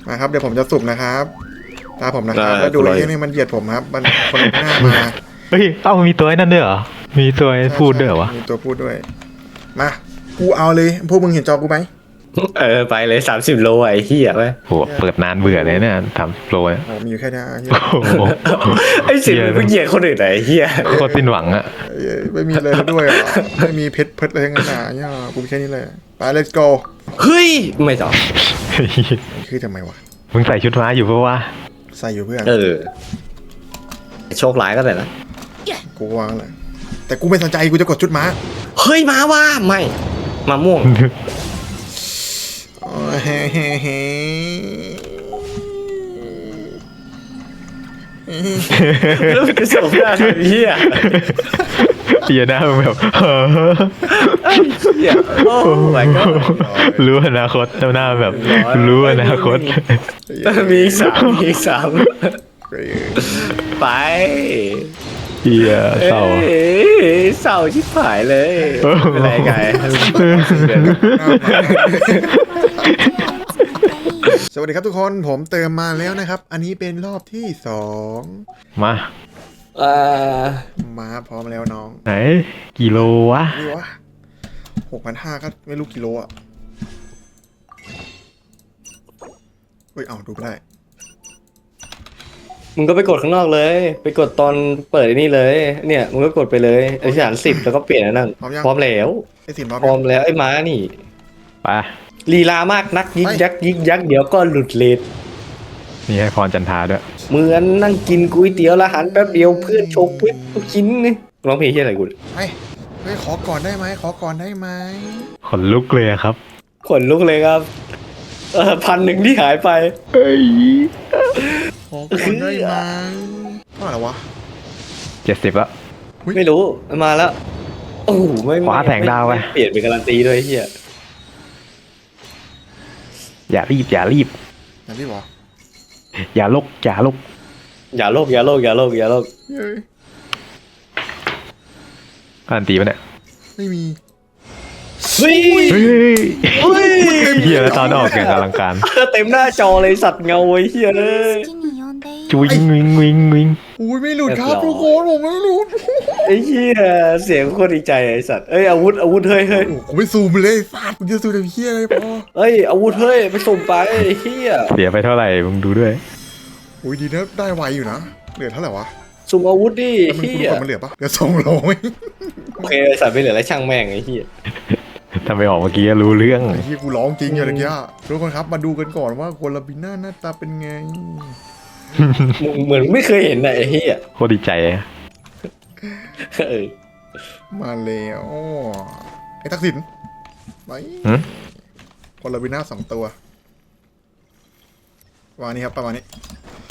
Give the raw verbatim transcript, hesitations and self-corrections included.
มาครับเดี๋ยวผมจะสุ่มนะครับตาผมนะครับแล้วดูไอ้เหี้ยนี่มันเหยียดผมครับมันคนหน้ามาเฮ้ยเอ้ามีตัวนั่นด้วยเหรอมีตัวพูดด้วยเหรอวะมีตัวพูดด้วยมากูเอาเลยพวกมึงเห็นจอกูไหมเออไปเลยสามสิบโลไอ้เหี้ยไปโหเปิดนานเบื่อเลยเนี่ยทำโปรเนี่ยโอ้มีอยู่แค่นี้เหี้ยโอ้โหไอ้สิบมึงเหยียดคนอื่นไหนเหี้ยโคตรสิ้นหวังอะเอ้ยไม่มีอะไรแล้วด้วยอ่ะไม่มีเพชรเพชรอะไรทั้งนั้นอ่ะเนี่ยกูมีแค่นี้เลยไป let's go เฮ้ยไม่ต่อคือทำไมวะมึงใส่ชุดม้าอยู่ปะวะใส่อยู่เพื่อนเออโชคร้ายก็แต่ละกูวางเลยแต่กูไม่สนใจกูจะกดชุดม้าเฮ้ยมาว่าไม่มาม่วงอ๋อเฮ้เฮ้เฮ้แล้วมันจะส่งหน้าทำเหี้ยเหี้ยหน้ามึงแบบเหี้ยโอ้ยก็รู้อนาคตหน้าแบบรู้อนาคตมีอีกสามมีอีกสามไปเหี้ยเศร้าเอ้ยเศร้าชิบหายเลยเป็นไรไงสวัสดีครับทุกคนผมเติมมาแล้วนะครับอันนี้เป็นรอบที่สองมาอ่ามาพร้อมแล้วน้องไหนกิโลวะนี่วะหกพันห้าก็ไม่รู้กิโลอ่ะเฮ้ยเอาดูไม่ได้มึงก็ไปกดข้างนอกเลย ไปกดตอนเปิดไอ้นี่เลย เนี่ยมึงก็กดไปเลยอธิษฐานสิบแล้วก็เปลี่ยนอันนั่นพร้อมแล้วไอ้สินพร้อมพร้อมแล้วไอ้ม้านี่ไปลีลามากนักยิกยักยิกยักเดี๋ยวก็หลุดเลนนี่ให้พรจันทาด้วยเหมือนนั่งกินก๋วยเตี๋ยวละหันแป๊บเดียวเพื่อนโชกปุ๊บลูกชิ้นนี่ร้องเพลงที่อะไรกูไอ้เฮ้ยขอก่อนได้ไหมขอก่อนได้ไหมขนลุกเลยอะครับขนลุกเลยครับเออพันหนึ่งที่หายไปเอ้ยขอก่อนได้ไหมเท่าไหร่วะเจ็ดสิบละไม่รู้มาแล้วโอ้โหไม่ขวาแผงดาวไปม่เปลี่ยนเป็นการันตีด้วยเฮียอย่ารีบอย่ารีบอย่างที่บอกอย่าลกอย่าลกอย่าโลกอย่าโลกอย่าโลกอย่าโลกเฮ้ยการันตีปะเนี่ยไม่มีเฮ้ยเฮ้ยเฮ้ยเฮียแล้วตอนออกอย่างอลังการเต็มหน้าจอเลยสัตว์เงาไอ้เฮียเลยจุวิงวิงวิงวิงอุ้ยไม่หลุดครับทุกคนผมไม่หลุดไอ้เฮียเสียงโคตรดีใจไอ้สัตว์เอ้ยอาวุธอาวุธเฮ้ยเฮ้ยโอ้กูไม่ซูมเลยฟาดกูจะซูมแต่เพี้ยอะไรพอเอ้ยอาวุธเฮ้ยไปส่งไปไอ้เฮียเสียไปเท่าไหร่มึงดูด้วยอุ้ยดีนะได้ไวอยู่นะเหลือเท่าไหร่วะสุ่มอาวุธดิแล้วมันเฮีคุณยกดมันเหลือปะเหลือสองร้อยโอเคไอ้สัตว์ไม่เหลือแล้วช่างแม่งไอ้เฮียถ้าไม่ออกเมื่อกี้รู้เรื่องไอ้ที่กูร้องจริงอย่างเงี้ยทุกคนครับมาดูกันก่อนว่าโคลาบิน่าหน้าตาเป็นไงมึงเหมือนไม่เคยเห็นน่ะไอ้เฮียโคตรดีใจอะเออมาแล้วไอ้ทักษิณไปหึโคลาบิน่าสองตัวประมาณนี้ครับประมาณนี้